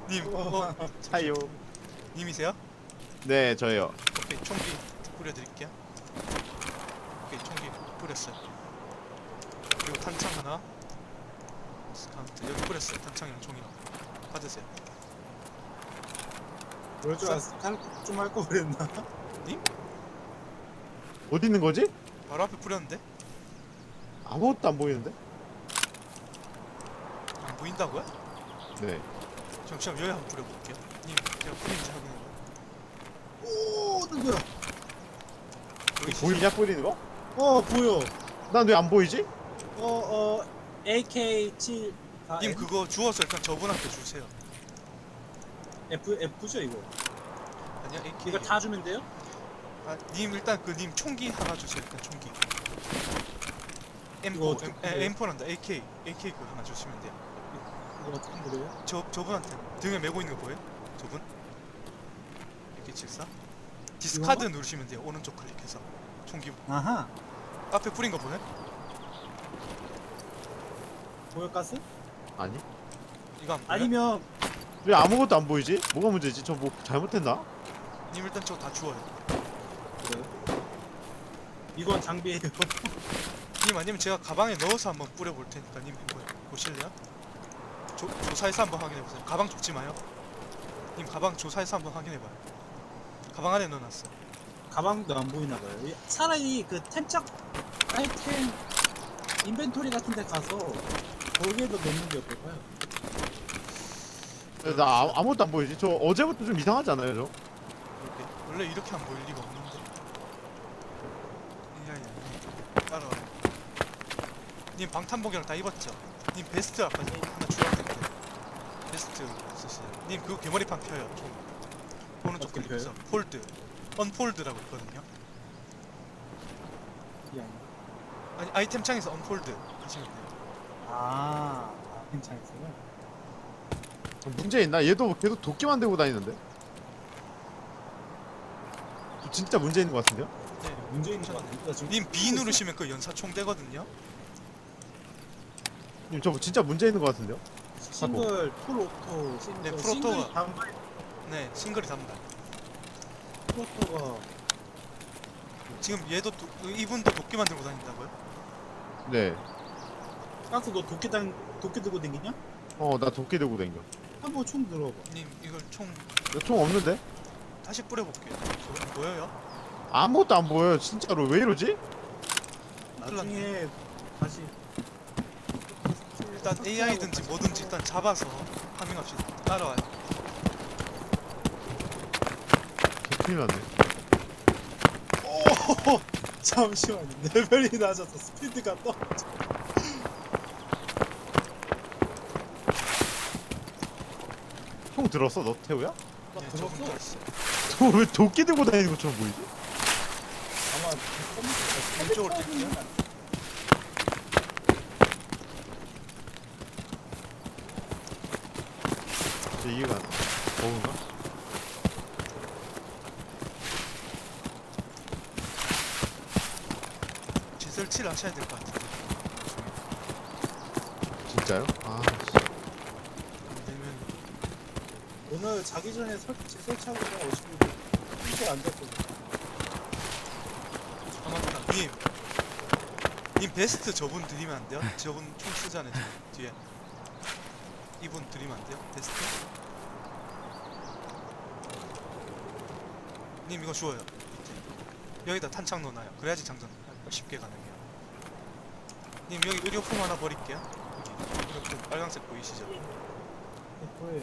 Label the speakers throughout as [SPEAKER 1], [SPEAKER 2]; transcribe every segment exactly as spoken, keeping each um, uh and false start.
[SPEAKER 1] 님, 어,
[SPEAKER 2] 차요.
[SPEAKER 1] 님이세요?
[SPEAKER 2] 네, 저요.
[SPEAKER 1] 오케이, 총기 뿌려드릴게요. 오케이, 총기 뿌렸어요. 그리고 탄창 하나. 스카운트 여기 뿌렸어요. 탄창이랑 총이랑. 받으세요.
[SPEAKER 3] 그럴 줄 알았어. 좀할 거 그랬나?
[SPEAKER 1] 님?
[SPEAKER 2] 어디 있는 거지?
[SPEAKER 1] 바로 앞에 뿌렸는데?
[SPEAKER 2] 아무것도 안 보이는데?
[SPEAKER 1] 안 보인다고요?
[SPEAKER 2] 네.
[SPEAKER 1] 잠시만 여기 한번 뿌려볼게요. 님, 제가 뿌린지 확인해봐요.
[SPEAKER 3] 오, 누구야?
[SPEAKER 1] 여기
[SPEAKER 2] 보이냐 뿌리는 거?
[SPEAKER 3] 어, 보여.
[SPEAKER 2] 난 왜 안 보이지?
[SPEAKER 3] 어, 어, 에이케이 칠. 아,
[SPEAKER 1] 님
[SPEAKER 3] F,
[SPEAKER 1] 그거 주워서 일단 저분한테 주세요.
[SPEAKER 3] F, F죠, 이거.
[SPEAKER 1] 아니야, 에이케이.
[SPEAKER 3] 이거 다 주면 돼요?
[SPEAKER 1] 아, 님 일단 그 님 총기 하나 주세요. 일단 총기.
[SPEAKER 3] 이거
[SPEAKER 1] 엠포,
[SPEAKER 3] 어떻게
[SPEAKER 1] 엠,
[SPEAKER 3] 뿌려요?
[SPEAKER 1] 에, 엠포란다. 에이케이, 에이케이 그거 하나 주시면 돼요.
[SPEAKER 3] 이거 어떻게 그래요?
[SPEAKER 1] 저 저분한테 등에 메고 있는 거 보여요? 저분? 이렇게 칠사. 디스카드
[SPEAKER 3] 이건가?
[SPEAKER 1] 누르시면 돼요. 오른쪽 클릭해서 총기
[SPEAKER 3] 아하.
[SPEAKER 1] 앞에 뿌린 거 보여요?
[SPEAKER 3] 보여, 가스?
[SPEAKER 2] 아니.
[SPEAKER 1] 이거 안 보여요?
[SPEAKER 3] 아니면,
[SPEAKER 2] 왜 아무것도 안 보이지? 뭐가 문제지? 저 뭐 잘못했나?
[SPEAKER 1] 님 일단 저거 다 주워요.
[SPEAKER 3] 그래요? 이건 장비예요.
[SPEAKER 1] 님 아니면 제가 가방에 넣어서 한번 뿌려볼 테니까 님 한번 보실래요? 조, 조사해서 한번 확인해보세요. 가방 좁지 마요. 님 가방 조사해서 한번 확인해봐요. 가방 안에 넣어놨어.
[SPEAKER 3] 가방도 안 보이나 봐요. 이- 차라리 그 템착 아이템 인벤토리 같은 데 가서 거기에도 넣는 게 어떨까요?
[SPEAKER 2] 나 아, 아무것도 안 보이지? 저 어제부터 좀 이상하지 않아요, 저?
[SPEAKER 1] 이렇게. 원래 이렇게 안 보일 리가 없는데. 야야, 따라와요. 님 방탄복이랑 다 입었죠? 님 베스트 아까 하나 주었는데 베스트 쓰시죠? 님 그거 개머리판 펴요. 총. 오른쪽
[SPEAKER 3] 어떻게
[SPEAKER 1] 클릭해서
[SPEAKER 3] 펴요?
[SPEAKER 1] 폴드, 언폴드라고 있거든요.
[SPEAKER 3] 이게 아니라.
[SPEAKER 1] 아니 아이템 창에서 언폴드 하시면 돼요.
[SPEAKER 3] 아, 아 괜찮았어요.
[SPEAKER 2] 문제 있나? 얘도 계속 도끼 만들고 다니는데? 저 진짜 문제 있는 것 같은데요?
[SPEAKER 1] 네.
[SPEAKER 3] 문제 있는 거 같으니까 지금.
[SPEAKER 1] 님 B 누르시면 그 연사총 되거든요.
[SPEAKER 2] 님, 저 진짜 문제 있는 것 같은데요?
[SPEAKER 3] 싱글 풀오토 싱글
[SPEAKER 1] 네, 풀오토가-
[SPEAKER 3] 싱글이 단발
[SPEAKER 1] 네, 싱글이 단발.
[SPEAKER 3] 풀오토가
[SPEAKER 1] 지금 얘도 도, 이분도 도끼 만들고 다닌다고요?
[SPEAKER 2] 네.
[SPEAKER 3] 가스 너 도끼 당 도끼 들고 댕기냐?
[SPEAKER 2] 어, 나 도끼 들고 다녀.
[SPEAKER 3] 한번 총 들어봐.
[SPEAKER 1] 님 이걸 총
[SPEAKER 2] 총 없는데?
[SPEAKER 1] 다시 뿌려볼게요. 저거 안 보여요?
[SPEAKER 2] 아무것도 안 보여요, 진짜로. 왜 이러지?
[SPEAKER 3] 나중에 다시
[SPEAKER 1] 일단 에이아이든지 뭐든지 일단 잡아서 파밍합시다. 따라와요.
[SPEAKER 2] 큰일 났네.
[SPEAKER 3] 오 잠시만요. 레벨이 낮아서 스피드가 떠.
[SPEAKER 2] 총 들었어, 너 태우야?
[SPEAKER 3] 나
[SPEAKER 1] 네,
[SPEAKER 3] 들었어.
[SPEAKER 1] 저분 들었어요.
[SPEAKER 2] 저 왜 도끼 들고 다니는 것처럼 보이지?
[SPEAKER 3] 아마
[SPEAKER 1] 왼쪽으로 뛸게요.
[SPEAKER 2] 진짜 이해가 안 돼. 버그인가?
[SPEAKER 1] 지설치를 하셔야 될 것 같은데.
[SPEAKER 2] 진짜요? 아,
[SPEAKER 1] 안 되면
[SPEAKER 3] 오늘 자기 전에 설치 설치하고 그냥 오시면 이게 안 됐거든.
[SPEAKER 1] 아 맞다. 님, 님 베스트 저분 드리면 안 돼요? 저분 총 쓰잖아요. 지금 뒤에. 이분 드리면 안 돼요? 베스트? 님 이거 주워요. 밑에. 여기다 탄창 넣어놔요. 그래야지 장전 쉽게 가능해요. 님 여기 의료품 하나 버릴게요. 여기 의료품 빨간색 보이시죠?
[SPEAKER 3] 뭐예요?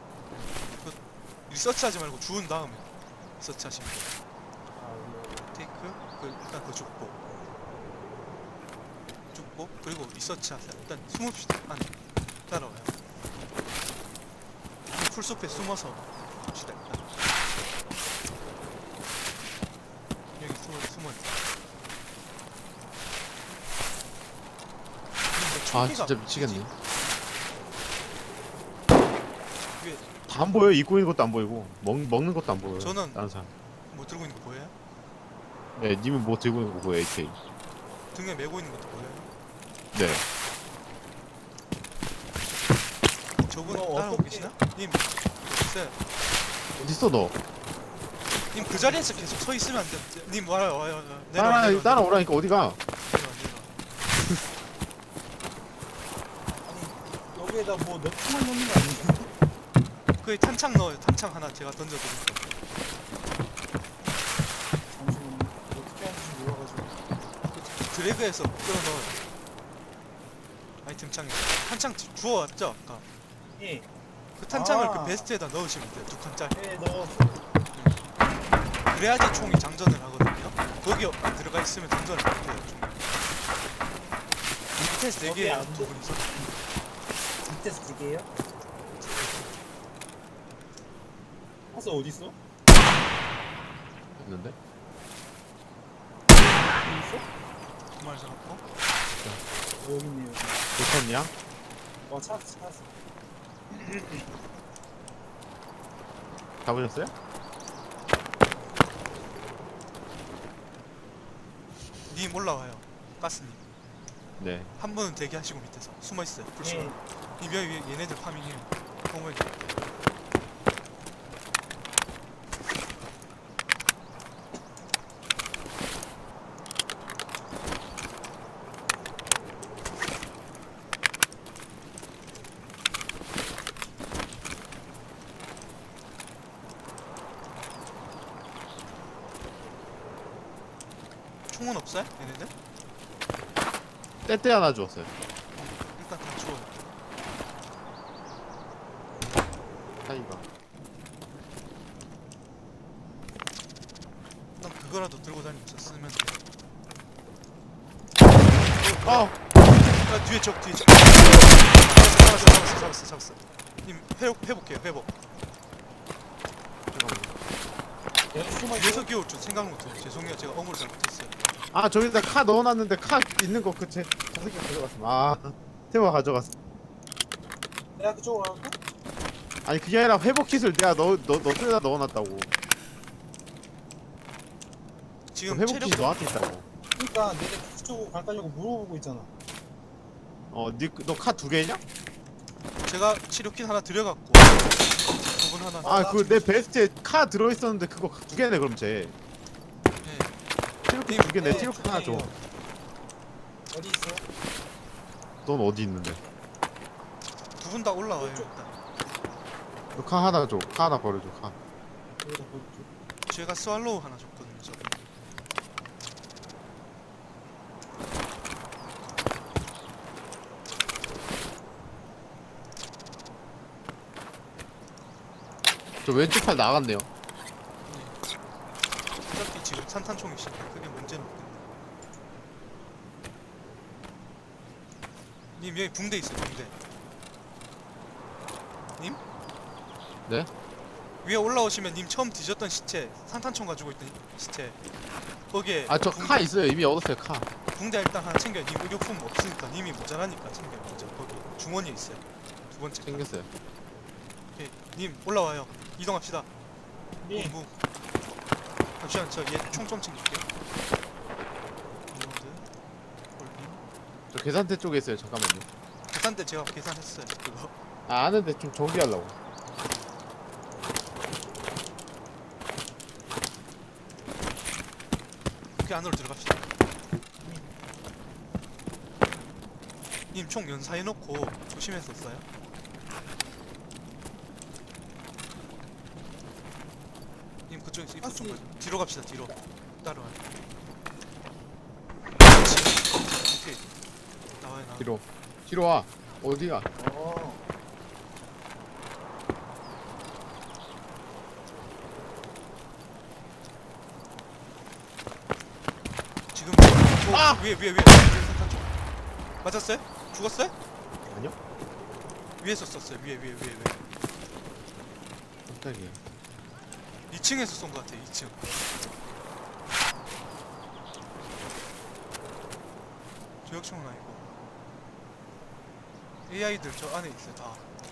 [SPEAKER 1] 리서치하지 말고 주운 다음에 리서치하시면 돼요.
[SPEAKER 3] 아, 이거
[SPEAKER 1] 테이크 그 일단 그거 죽고 죽고 그리고 리서치 하세요. 일단 숨읍시다. 안에 따라와요. 풀숲에 숨어서 합시다. 일단 여기 숨어 숨어.
[SPEAKER 2] 아 진짜 미치겠네.
[SPEAKER 1] 위에
[SPEAKER 2] 다 안 보여. 입고 있는 것도 안 보이고 먹, 먹는 것도 안 보여요.
[SPEAKER 1] 저는-
[SPEAKER 2] 다른 사람.
[SPEAKER 1] 뭐 들고 있는 거 보여요?
[SPEAKER 2] 네, 님은 뭐 들고 있는 거 보여, 에이케이.
[SPEAKER 1] 등에 메고 있는 것도 보여요?
[SPEAKER 2] 네.
[SPEAKER 1] 저분
[SPEAKER 3] 이거
[SPEAKER 1] 따라오고
[SPEAKER 3] 어떻게-
[SPEAKER 1] 계시나? 님 있어요.
[SPEAKER 2] 어딨어 너?
[SPEAKER 1] 님 그 자리에서 계속 서 있으면 안 돼. 님 와요 와요 와요.
[SPEAKER 2] 따라 따라오라니까 어디가?
[SPEAKER 1] 내려와 내려와.
[SPEAKER 3] 아니 여기에다 뭐 넣기만 넣는 거 아니에요?
[SPEAKER 1] 거기 탄창 넣어요. 탄창 하나 제가 던져드릴게요.
[SPEAKER 3] 잠시만요. 어떻게 하는지 몰라가지고.
[SPEAKER 1] 드래그해서 끌어 넣어요. 아이템 창에 탄창 주- 주워왔죠 아까.
[SPEAKER 3] 예.
[SPEAKER 1] 그 탄창을
[SPEAKER 3] 아.
[SPEAKER 1] 그 베스트에다 넣으시면 돼요. 두 칸짜리.
[SPEAKER 3] 예 넣었어.
[SPEAKER 1] 그래야지 총이 장전을 하거든요. 거기 안 들어가 있으면 장전을 못해요. 총이. 밑에서 네
[SPEAKER 3] 거기
[SPEAKER 1] 개예요.
[SPEAKER 3] 안
[SPEAKER 1] 두 분이서.
[SPEAKER 3] 밑에서 두 개예요? 가서 어디 있어?
[SPEAKER 2] 있는데?
[SPEAKER 3] 여기 있어?
[SPEAKER 1] 두말 잡았고.
[SPEAKER 3] 어, 여기 있네요.
[SPEAKER 2] 좋겠냐?
[SPEAKER 3] 와 찾았어 찾았어.
[SPEAKER 2] 잡으셨어요?
[SPEAKER 1] 님 올라와요. 가스님.
[SPEAKER 2] 네.
[SPEAKER 1] 한 분은 대기하시고 밑에서 숨어 있어요. 불시로.
[SPEAKER 3] 예.
[SPEAKER 1] 님 여기 위에 얘네들 파밍해요. 공을. 총은 없어요? 얘네들?
[SPEAKER 2] 떼떼 하나 주었어요.
[SPEAKER 1] 일단 다 주워요.
[SPEAKER 2] 타이가.
[SPEAKER 1] 일단 그거라도 들고 다니면서 쓰면 돼.
[SPEAKER 2] 아!
[SPEAKER 1] 아 뒤에 적 뒤에 적. 잡았어 잡았어 잡았어 잡았어 잡았어. 님 회복 회복해요 회복.
[SPEAKER 2] 잠깐만.
[SPEAKER 3] 여기 숨어
[SPEAKER 1] 뒤에서
[SPEAKER 3] 있어.
[SPEAKER 1] 기어올 줄 생각을 못해요. 죄송해요 제가 어무를 잘못했어요.
[SPEAKER 2] 아 저기다 카 넣어놨는데 카 있는 거 그 제 저 새끼 가져갔어. 아 태호가 가져갔어.
[SPEAKER 3] 내가 그쪽으로 갈까?
[SPEAKER 2] 아니 그게 아니라 회복 킷을 내가 너너너 쪽에다 넣어놨다고.
[SPEAKER 1] 지금
[SPEAKER 2] 회복
[SPEAKER 1] 체력
[SPEAKER 2] 킷이 너한테 있다고.
[SPEAKER 3] 그러니까 내가 그쪽으로 갈까냐고 물어보고 있잖아.
[SPEAKER 2] 어너 카 두 개냐?
[SPEAKER 1] 제가 치료킷 하나 드려갖고 저분 하나.
[SPEAKER 2] 아 그 내 베스트에 카 들어있었는데 그거 두 개네 그럼 쟤.
[SPEAKER 1] 네.
[SPEAKER 2] 티로킷 두 개 내
[SPEAKER 3] 네,
[SPEAKER 2] 티로킷 하나 줘.
[SPEAKER 3] 어디 있어?
[SPEAKER 2] 넌 어디 있는데?
[SPEAKER 1] 두 분 다 올라와요
[SPEAKER 3] 이쪽.
[SPEAKER 1] 일단.
[SPEAKER 2] 너 카 하나 줘. 카 하나 버려줘. 카.
[SPEAKER 3] 여기다 보여줘.
[SPEAKER 1] 제가 스왈로우 하나 줬거든요 저분.
[SPEAKER 2] 저 왼쪽 팔 나갔네요.
[SPEAKER 1] 어차피 지금 산탄총이시니까 그게 문제는 없겠네. 님 여기 붕대 있어요 붕대. 님?
[SPEAKER 2] 네?
[SPEAKER 1] 위에 올라오시면 님 처음 뒤졌던 시체 산탄총 가지고 있던 시체 거기에
[SPEAKER 2] 아 저
[SPEAKER 1] 붕대-
[SPEAKER 2] 카 있어요. 이미 얻었어요 카.
[SPEAKER 1] 붕대 일단 하나 챙겨요. 님 의료품 없으니까 님이 모자라니까 챙겨요 먼저. 거기 주머니에 있어요 두 번째 칸.
[SPEAKER 2] 챙겼어요.
[SPEAKER 1] 오케이. 님 올라와요. 이동합시다.
[SPEAKER 3] 네.
[SPEAKER 1] 공부. 잠시만 저 얘 총 좀 챙길게요. 리로드. 홀딩.
[SPEAKER 2] 저 계산대 쪽에 있어요. 잠깐만요.
[SPEAKER 1] 계산대 제가 계산했어요. 그거.
[SPEAKER 2] 아 아는데 좀 정비하려고.
[SPEAKER 1] 그 안으로 들어갑시다. 님 총 연사해놓고 조심해서 써요. 님 그쪽에서 입구 좀
[SPEAKER 3] 가스.
[SPEAKER 1] 봐줘. 뒤로 갑시다. 뒤로. 따라와요. 그렇지. 오케이. 나와요 나와.
[SPEAKER 2] 뒤로. 뒤로 와. 어디가?
[SPEAKER 3] 어.
[SPEAKER 1] 지금 저
[SPEAKER 2] 아!
[SPEAKER 1] 위에 위에 위에 산탄 쪽. 맞았어요? 죽었어요?
[SPEAKER 2] 아니요?
[SPEAKER 1] 위에서 썼어요. 위에 위에 위에 위에.
[SPEAKER 2] 깜짝이야.
[SPEAKER 1] 이 층에서 쏜 것 같아요. 이 층. 조역총은 아니고. 에이아이들 저 안에 있어요. 다.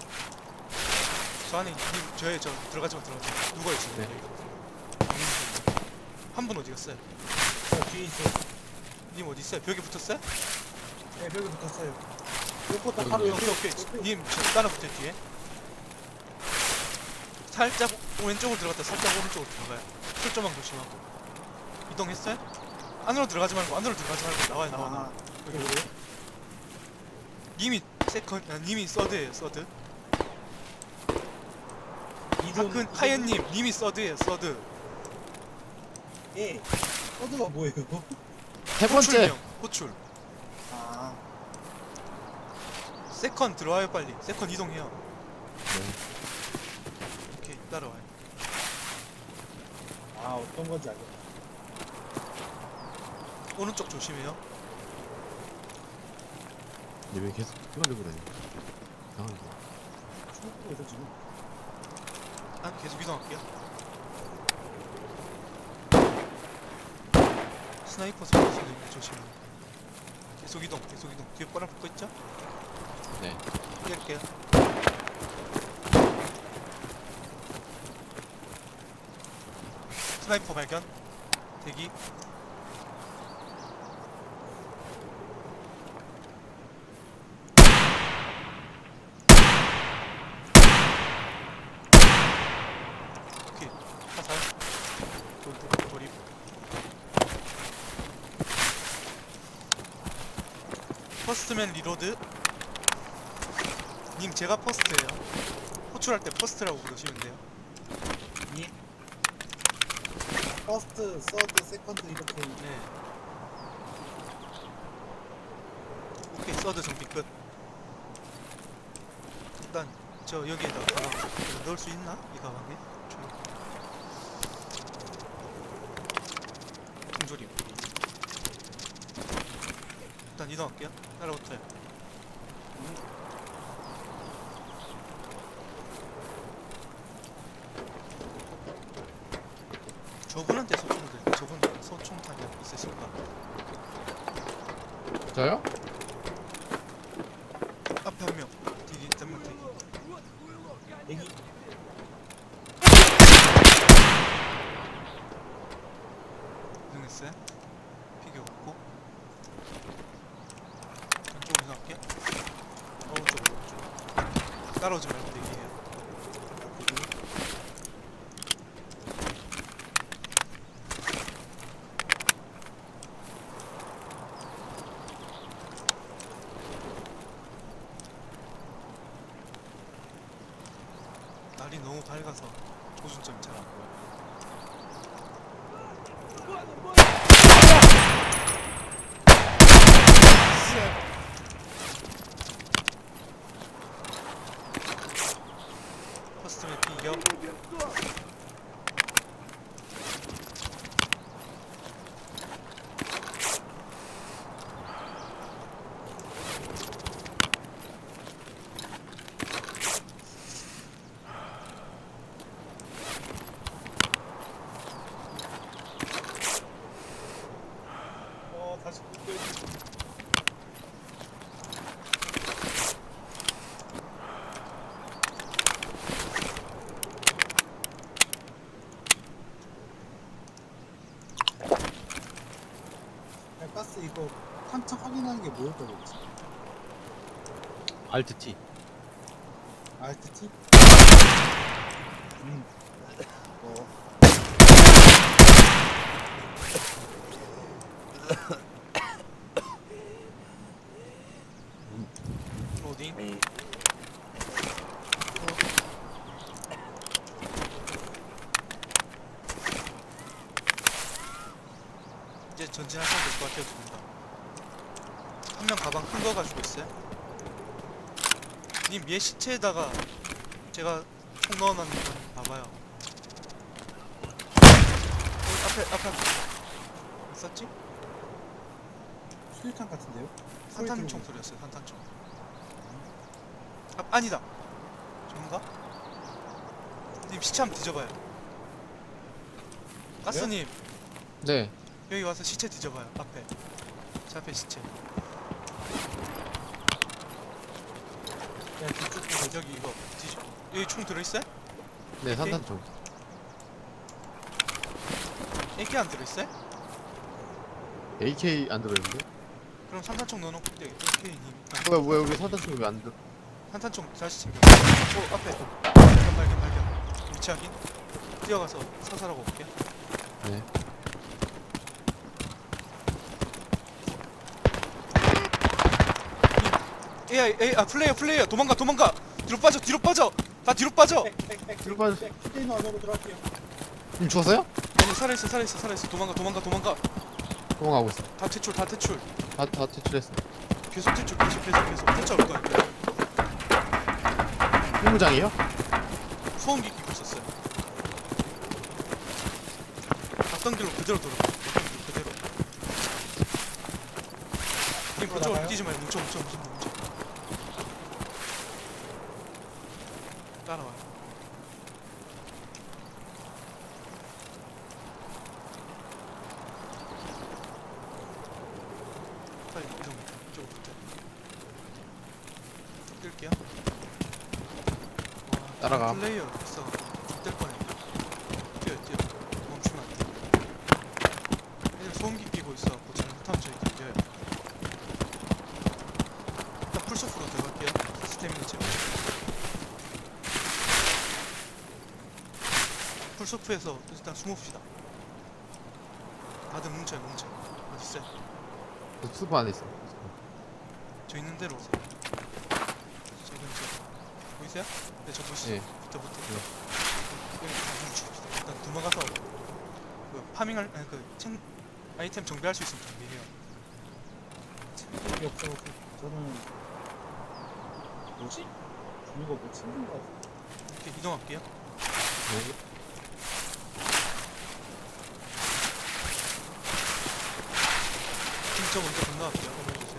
[SPEAKER 1] 저 안에 님 저에 저 들어가지 마 들어가지 마. 누가 있어요?
[SPEAKER 2] 네.
[SPEAKER 1] 한 분 어디 갔어요?
[SPEAKER 3] 저 뒤에 있어.
[SPEAKER 1] 님 어디 있어요? 벽에 붙었어요?
[SPEAKER 3] 네, 벽에 붙었어요. 요거 딱
[SPEAKER 2] 여기
[SPEAKER 3] 바로
[SPEAKER 1] 오케이
[SPEAKER 3] 옆에.
[SPEAKER 1] 오케이. 님 저 따라 붙어요 뒤에. 살짝 왼쪽으로 들어갔다 살짝 오른쪽으로 들어가요. 철조망 조심하고. 이동했어요? 안으로 들어가지 말고 안으로 들어가지 말고 나와요 나와. 나와.
[SPEAKER 3] 아 그래 그래?
[SPEAKER 1] 님이 세컨 아, 님이 서드예요 서드.
[SPEAKER 3] 이동
[SPEAKER 1] 하큰 하얀님 님이 서드예요 서드.
[SPEAKER 3] 예 코드가 뭐예요?
[SPEAKER 2] 세 번째.
[SPEAKER 1] 호출명 호출.
[SPEAKER 3] 아
[SPEAKER 1] 세컨 들어와요 빨리. 세컨 이동해요.
[SPEAKER 2] 네.
[SPEAKER 1] 오케이 따라와요.
[SPEAKER 3] 아 어떤 건지 알겠다.
[SPEAKER 1] 오른쪽 조심해요.
[SPEAKER 2] 얘왜 계속 뛰어들고 다니? 이상한 거.
[SPEAKER 3] 중국에서 지금
[SPEAKER 1] 아 계속 이동할게요. 스나이퍼 쏠 수도 있는데 조심해요. 계속 이동 계속 이동. 뒤에 꼬라 붙고 있죠?
[SPEAKER 2] 네.
[SPEAKER 1] 뛸게요. 스나이퍼 발견. 대기. 오케이. 화살. 돌, 돌입. 퍼스트맨 리로드. 님 제가 퍼스트예요. 호출할 때 퍼스트라고 부르시면 돼요.
[SPEAKER 3] 예 퍼스트, 서드, 세컨드 이렇게
[SPEAKER 1] 네. 오케이 서드 정비 끝. 일단 저 여기에다 가방 넣을 수 있나? 이 가방에? 중조림. 일단 이동할게요. 따라오세요. 저분한테 소총을 드릴게요. 저분 소총탄이 있으실까?
[SPEAKER 2] 저요?
[SPEAKER 1] 앞에 한 명. 뒤에 한명 대기.
[SPEAKER 3] 여기
[SPEAKER 1] 이동했어요. 피겨 없고. 왼쪽으로 이동할게요. 오른쪽 오른쪽. 따라오지 말고 대기해요. 날이 너무 밝아서 조준점이 잘 안 보여. 커스텀의 비격.
[SPEAKER 3] 어 다시 또 야, 가스 이거 탄창 확인하는 게 뭐였다고 했지?
[SPEAKER 2] 알트 T.
[SPEAKER 3] 알트 T? 음. 어.
[SPEAKER 1] 로딩. 이제 전진하셔도 될 것 같아요, 두 분 다. 한 명 가방 큰 거 가지고 있어요. 님 얘 시체에다가 제가 총 넣어놨는 거 봐봐요. 어, 앞에 앞에 앞에 있었지?
[SPEAKER 3] 수류탄 같은데요?
[SPEAKER 1] 산탄총 소리였어요. 산탄총. 아, 아니다. 저인가? 님 시체 한번 뒤져봐요. 가스님
[SPEAKER 2] 네.
[SPEAKER 1] 여기 와서 시체 뒤져봐요. 앞에 제 앞에 시체.
[SPEAKER 3] 야 뒤쪽 보고
[SPEAKER 1] 여기 이거 뒤져. 여기 총 들어있어요?
[SPEAKER 2] 네, 산탄총.
[SPEAKER 1] 에이케이 안 들어있어요?
[SPEAKER 2] 에이케이 안 들어있는데?
[SPEAKER 1] 그럼 산탄총 넣어놓고 에이케이님 일단
[SPEAKER 2] 뭐야, 뭐야, 여기 산탄총이 왜 안 들어?
[SPEAKER 1] 산탄총 다시 챙겨. 오 앞에 발견 발견 발견. 위치 확인. 뛰어가서 사살하고 올게.
[SPEAKER 2] 네.
[SPEAKER 1] 에이 에이 아 플레이어 플레이어 도망가 도망가. 뒤로 빠져 뒤로 빠져. 다 뒤로 빠져.
[SPEAKER 3] 백백백
[SPEAKER 2] 뒤로 빠져.
[SPEAKER 3] 컨테이너 안으로 들어갈게요.
[SPEAKER 2] 님 죽었어요?
[SPEAKER 1] 아니 살아있어 살아있어 살아있어. 도망가 도망가 도망가.
[SPEAKER 2] 도망가고 있어.
[SPEAKER 1] 다 퇴출 다 퇴출.
[SPEAKER 2] 다, 다 퇴출했어.
[SPEAKER 1] 계속 퇴출 계속 계속 계속 쫓아올 거야.
[SPEAKER 2] 필무장이에요?
[SPEAKER 1] 소음기 끼고 있었어요. 갔던 길로 그대로 돌아가. 갔던 길로 그대로. 님 그쪽으로
[SPEAKER 3] 나가요?
[SPEAKER 1] 뛰지 마요. 뭉쳐 뭉쳐 뭉쳐 뭉쳐. 따라와. 빨리 이동. 이쪽으로 붙어. 뛸게요. 와,
[SPEAKER 2] 따라가.
[SPEAKER 1] 플레이어 있어. 될 뻔해. 뛰어 뛰어. 멈추면 안 돼. 애들 소음기 끼고 있어갖고 잘못하면 저희 뛰어요. 일단 풀소프로 들어갈게요. 스태미나 채워. 풀소프에서 일단 숨읍시다. 다들 뭉쳐요 뭉쳐. 어딨어요?
[SPEAKER 2] 저 수프 안에 있어.
[SPEAKER 1] 저 있는 대로 오세요. 저 근처 보이세요? 네, 저 보시죠.
[SPEAKER 2] 예.
[SPEAKER 1] 붙어 붙어.
[SPEAKER 2] 예.
[SPEAKER 1] 여기 다 뭉칩시다. 일단 도망가서 그 파밍할 아니 그 챙, 아이템 정비할 수 있으면 정비해요.
[SPEAKER 3] 챙길 게 없어서 저는 뭐지? 이거 뭐 챙긴 거 같아.
[SPEAKER 1] 이렇게 이동할게요.
[SPEAKER 2] 네.
[SPEAKER 1] 진짜 먼저 건너갈게요. 건너주세요.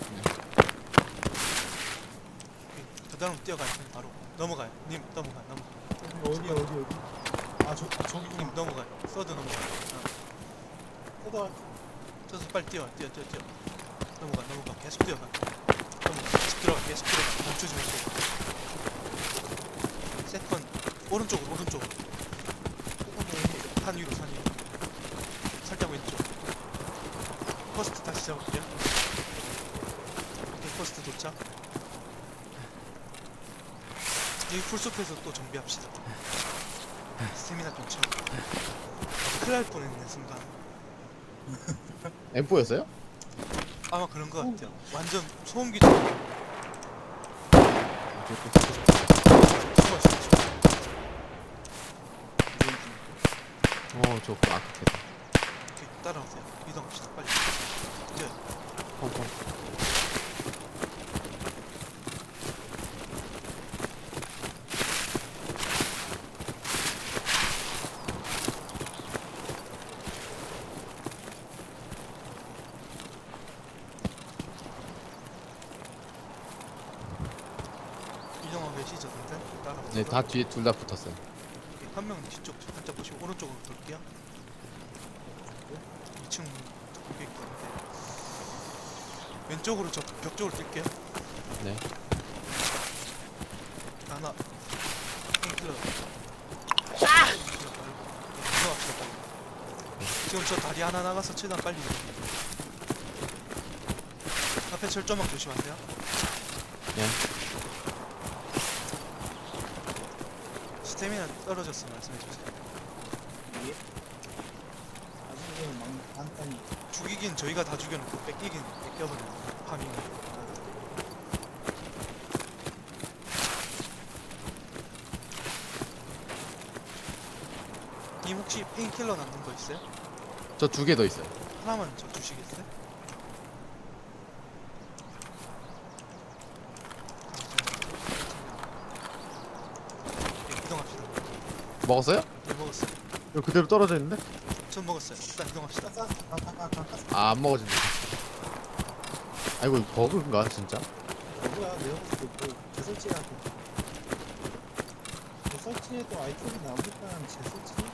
[SPEAKER 1] 오케이. 그다음 뛰어갈 테니 바로 넘어가요. 님 넘어가 넘어가.
[SPEAKER 3] 어디 어디 어디? 아, 저, 아 저기
[SPEAKER 1] 님 넘어가요. 서드 넘어가요. 어.
[SPEAKER 3] 뜯어.
[SPEAKER 1] 저서 빨리 뛰어 뛰어 뛰어 뛰어. 넘어가 넘어가 계속 뛰어가. 넘어가 계속 들어가 계속 들어가. 멈추지 말고. 세컨 오른쪽으로 오른쪽으로. 산 위로 산 위로. 살짝 왼쪽. 퍼스트 다시 잡을게요. 오케이 퍼스트 도착. 이 풀숲에서 또 정비합시다. 스태미나 좀 채우고. 큰일 날 뻔했네 순간.
[SPEAKER 2] 엠포였어요?
[SPEAKER 1] 아마 그런 거 같아요. 완전 소음기 좀 숨어있어.
[SPEAKER 2] 어, 저 아크겠다.
[SPEAKER 1] 오케이 따라오세요. 이동합시다 빨리. 뛰어요.
[SPEAKER 2] 펑펑.
[SPEAKER 1] 이동하고 계시죠 다들? 따라오세요.
[SPEAKER 2] 네, 다 뒤에 둘 다 붙었어요.
[SPEAKER 1] 한 명은 뒤쪽 살짝 보시고 오른쪽으로 돌게요. 이 층 고객 있는데 왼쪽으로 저 벽 쪽으로 뛸게요.
[SPEAKER 2] 네.
[SPEAKER 1] 하나 페인킬러 페인킬러 말고 이동합시다 빨리. 지금 저 다리 하나 나가서 최대한 빨리 이동해요. 앞에 철조망 조심하세요.
[SPEAKER 2] 네.
[SPEAKER 1] 스태미나 떨어졌어 말씀해주세요.
[SPEAKER 3] 예. 아직은 막 간단히.
[SPEAKER 1] 죽이긴 저희가 다 죽여놓고 뺏기긴 뺏겨버려요. 파밍. 님 혹시 페인킬러 남는 거 있어요?
[SPEAKER 2] 저 두 개 더 있어요.
[SPEAKER 1] 하나만 저 주시겠어요? 네, 이동합시다.
[SPEAKER 2] 먹었어요?
[SPEAKER 1] 네, 먹었어요.
[SPEAKER 2] 이거 그대로 떨어져 있는데?
[SPEAKER 1] 전 먹었어요. 일단 이동합시다.
[SPEAKER 3] 가스 가가가가 가스.
[SPEAKER 2] 아, 안 먹어진다. 아이고, 이거 버그인가, 진짜?
[SPEAKER 3] 뭐야? 내가 봤을 때뭐 재설치라고. 재설치에도 아이템이 나오니까 재설치.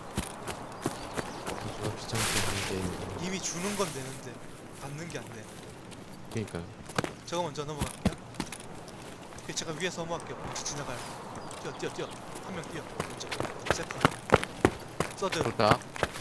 [SPEAKER 2] 저거 귀찮게 하는 게임이고.
[SPEAKER 1] 이미 주는 건 되는데 받는 게 안 돼.
[SPEAKER 2] 그니까요.
[SPEAKER 1] 저거 먼저 넘어갈게요. 오케이, 제가 위에서 넘어갈게요. 먼저 지나가요. 뛰어, 뛰어, 뛰어. 한 명 뛰어. 먼저. 세컨. 서드.
[SPEAKER 2] 좋다.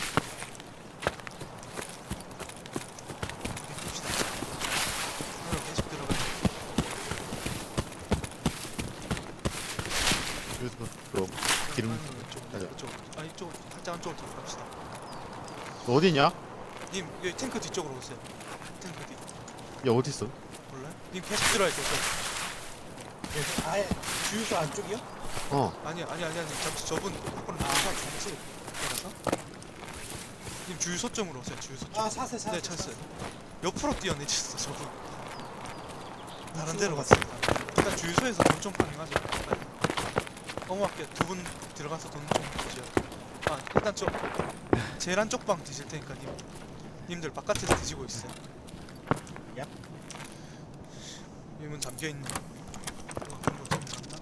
[SPEAKER 1] 오케이, 봅시다. 하나 계속 들어가요.
[SPEAKER 2] 여기서 그럼. 기름.
[SPEAKER 1] 아니, 이쪽
[SPEAKER 2] 맞아.
[SPEAKER 1] 이쪽 아 이쪽 살짝 안쪽으로 들어갑시다.
[SPEAKER 2] 너 어디냐?
[SPEAKER 1] 님 여기 탱크 뒤쪽으로 오세요. 탱크 뒤
[SPEAKER 2] 야 어딨어?
[SPEAKER 1] 몰라요? 님 계속 들어야 돼요.
[SPEAKER 3] 그래서 아예 주유소 안쪽이요?
[SPEAKER 2] 어.
[SPEAKER 1] 아니 아니 아니 아니 잠시 저분 밖으로
[SPEAKER 3] 아
[SPEAKER 1] 나가서
[SPEAKER 3] 잠시.
[SPEAKER 1] 나가서 님 주유소점으로 오세요. 주유소점.
[SPEAKER 3] 아 사세 사세.
[SPEAKER 1] 네 찾았어요. 옆으로 뛰어내렸어 저분. 다른
[SPEAKER 3] 우측으로
[SPEAKER 1] 데로 갔습니다. 일단 주유소에서 돈 좀 파밍하죠. 어머학교 두 분 들어가서 돈 좀 주죠. 아 일단 좀 제일 한쪽 방 드실 테니까 님 님들 바깥에서 드시고 있어요.
[SPEAKER 3] 얍.
[SPEAKER 1] 이문 잠겨 있는. 이거 한번 잠갔나?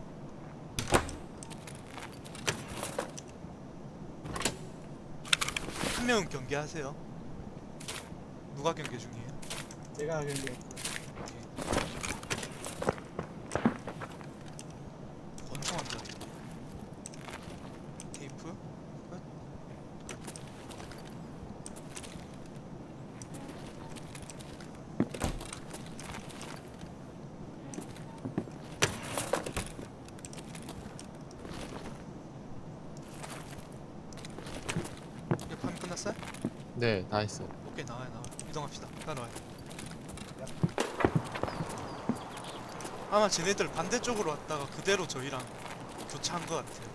[SPEAKER 1] 한 명은 경계하세요. 누가 경계 중이에요?
[SPEAKER 3] 제가 근데
[SPEAKER 1] 권총한다. 테이프? 끝? 이제 파밍 끝났어요?
[SPEAKER 2] 네, 다 했어.
[SPEAKER 1] 오케이 나와요 나와요. 이동합시다. 따라와요. 아마 쟤네들 반대쪽으로 왔다가 그대로 저희랑 교차한 것 같아요.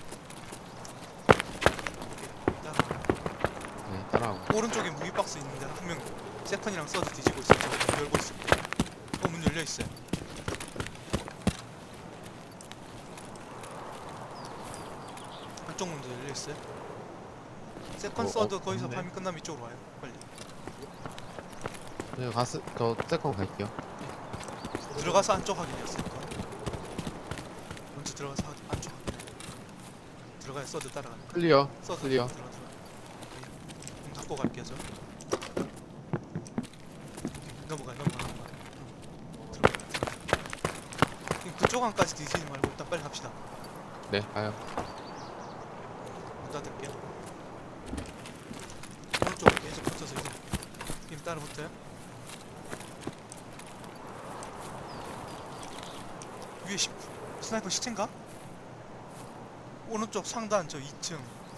[SPEAKER 1] 오케이 따라와요.
[SPEAKER 2] 네, 따라하고.
[SPEAKER 1] 오른쪽에 무기 박스 있는데 한 명 세컨이랑 서드 뒤지고 있어요. 저 열고 있을 때. 어, 문 열려 있어요. 한쪽 문도 열려 있어요. 세컨
[SPEAKER 2] 어,
[SPEAKER 1] 서드
[SPEAKER 2] 어,
[SPEAKER 1] 거기서
[SPEAKER 2] 없네.
[SPEAKER 1] 파밍 끝나면 이쪽으로 와요. 빨리.
[SPEAKER 2] 네, 가스 저 세컨 갈게요.
[SPEAKER 1] 들어가서 안쪽 확인했어요. 먼저 들어가서 확인, 안쪽 확인. 들어가요. 서드 따라가요.
[SPEAKER 2] 클리어.
[SPEAKER 1] 서드
[SPEAKER 2] 클리어.
[SPEAKER 1] 들어가 들어가. 오케이. 문 닫고 갈게요 저. 오케이. 넘어가요 넘어가 넘어가. 들어가 들어가. 그쪽 안까지 뒤지지 말고 일단 빨리 갑시다.
[SPEAKER 2] 네, 가요.
[SPEAKER 1] 문 닫을게요. 오른쪽으로 계속 붙어서 이동. 님 따라 붙어요. 위에 시, 스나이퍼 시체인가? 오른쪽 상단 저 이 층.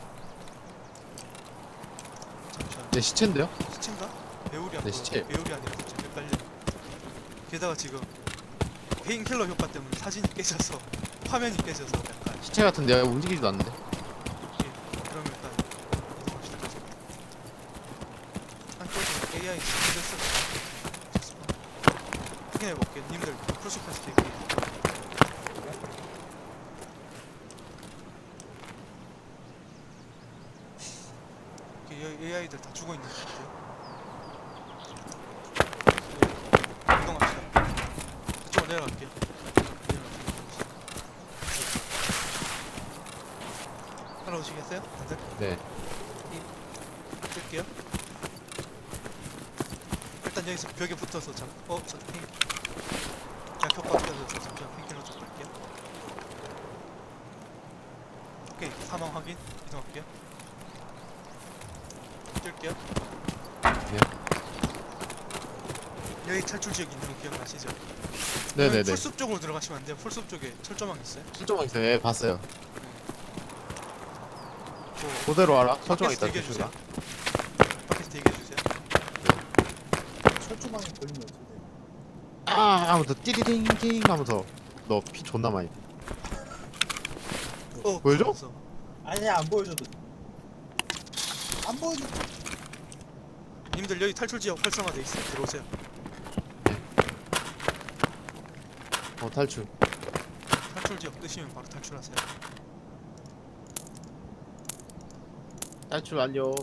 [SPEAKER 1] 잠시만.
[SPEAKER 2] 네, 시체인데요?
[SPEAKER 1] 시체인가? 배율이 안
[SPEAKER 2] 네,
[SPEAKER 1] 보여.
[SPEAKER 2] 시체.
[SPEAKER 1] 배율이 아니라 진짜 헷갈려. 게다가 지금 페인킬러 효과 때문에 사진이 깨져서 화면이 깨져서 약간.
[SPEAKER 2] 시체 같은데요? 움직이지도 않는데.
[SPEAKER 1] 예, 그럼 일단 이동합시다. 계속. 한쪽은 에이아이 스킬을 확인해볼게요. 님들 풀스패스 대기. 에이아이들 다 죽어 있는 것 같아요. 예, 이동합시다. 이쪽으로 내려갈게요. 내려갈게요. 따라오시겠어요? 다들?
[SPEAKER 2] 네.
[SPEAKER 1] 뜰게요. 일단 여기서 벽에 붙어서 잠, 어, 저 핑. 그냥 효과 켜져서 잠시만 핑킬러 좀 볼게요. 오케이, 사망 확인. 이동할게요. 뜰게요.
[SPEAKER 2] 네.
[SPEAKER 1] 여기 탈출 지역 있는 거 기억나시죠?
[SPEAKER 2] 네네네.
[SPEAKER 1] 풀숲 쪽으로 들어가시면 안 돼요. 풀숲 쪽에 철조망 있어요.
[SPEAKER 2] 철조망 있어요. 예, 봤어요.
[SPEAKER 1] 그
[SPEAKER 2] 그대로 알아. 철조망
[SPEAKER 1] 밖에서
[SPEAKER 2] 있다.
[SPEAKER 1] 대기해 주세요.
[SPEAKER 2] 조심하.
[SPEAKER 1] 밖에서 대기해 주세요.
[SPEAKER 3] 철조망에 걸리면 어떻게 돼?
[SPEAKER 2] 아, 하면서 띠리딩딩 하면서 너 피 존나 많이.
[SPEAKER 1] 어,
[SPEAKER 2] 보여줘?
[SPEAKER 1] 무서워.
[SPEAKER 3] 아니야 안 보여줘도 돼. 안 보여줘.
[SPEAKER 1] 님들 여기 탈출 지역 활성화돼 있어요. 들어오세요.
[SPEAKER 2] 어, 탈출.
[SPEAKER 1] 탈출 지역 뜨시면 바로 탈출하세요.
[SPEAKER 2] 탈출 완료.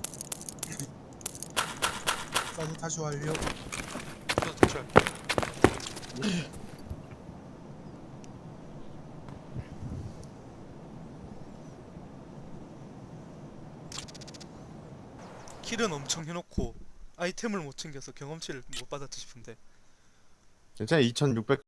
[SPEAKER 3] 나도 다시 완료.
[SPEAKER 1] 저도 탈출할게요. 킬은 엄청 해놓고 아이템을 못 챙겨서 경험치를 못 받았지 싶은데
[SPEAKER 2] 괜찮아. 이천육백